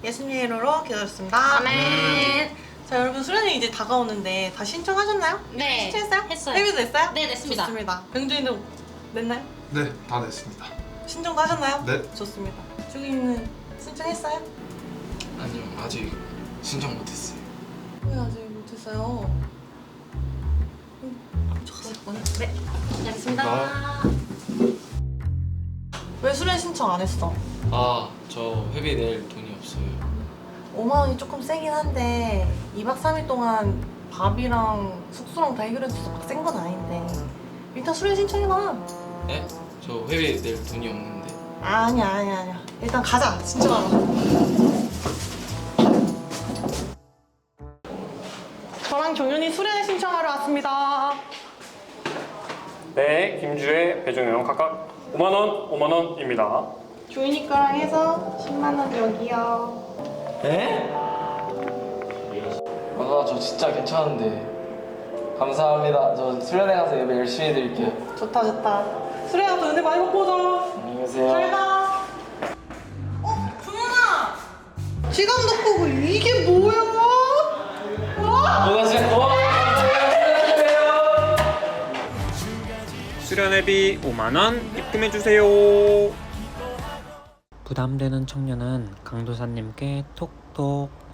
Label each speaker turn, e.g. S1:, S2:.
S1: 예수님의 이름으로 기도했습니다.
S2: 아멘.
S1: 자, 여러분 수련회 이제 다가오는데 다 신청하셨나요?
S2: 네.
S1: 신청했어요?
S2: 했어요.
S1: 회비도 냈어요?
S2: 네, 냈습니다.
S1: 좋습니다. 병준이도 냈나요?
S3: 네, 다 냈습니다.
S1: 신청도 하셨나요?
S3: 네.
S1: 좋습니다. 주기는 신청했어요?
S4: 아니요, 아직 신청 못했어요.
S1: 왜 아직 못했어요?
S2: 네. 시작했습니다.
S1: 왜 수련 신청 안 했어?
S4: 아, 저 회비 낼 돈이 없어요.
S1: 5만 원이 조금 세긴 한데 2박 3일 동안 밥이랑 숙소랑 다 해결해줘서 막 센 건 아닌데 일단 수련 신청해봐.
S4: 네? 저 회비 낼 돈이 없는데.
S1: 아니야. 일단 가자, 신청하러. 저랑 종현이 수련회 신청하러 왔습니다.
S5: 네, 김주혜, 배종영 각각 5만원, 5만원입니다.
S1: 조인이 거랑 해서 10만 원 여기요.
S6: 아, 저 진짜 괜찮은데. 감사합니다. 저 수련회 가서 예배 열심히 드릴게요.
S1: 좋다. 수련회 가서 은혜 많이 받고 오자.
S6: 안녕히 계세요.
S1: 잘 가. 종현아! 지갑 넣고 오고 이게 뭐야? 와!
S6: 누가 진짜 고마워요.
S5: 수련회비 5만원 입금해주세요.
S7: 부담되는 청년은 강도사님께 톡톡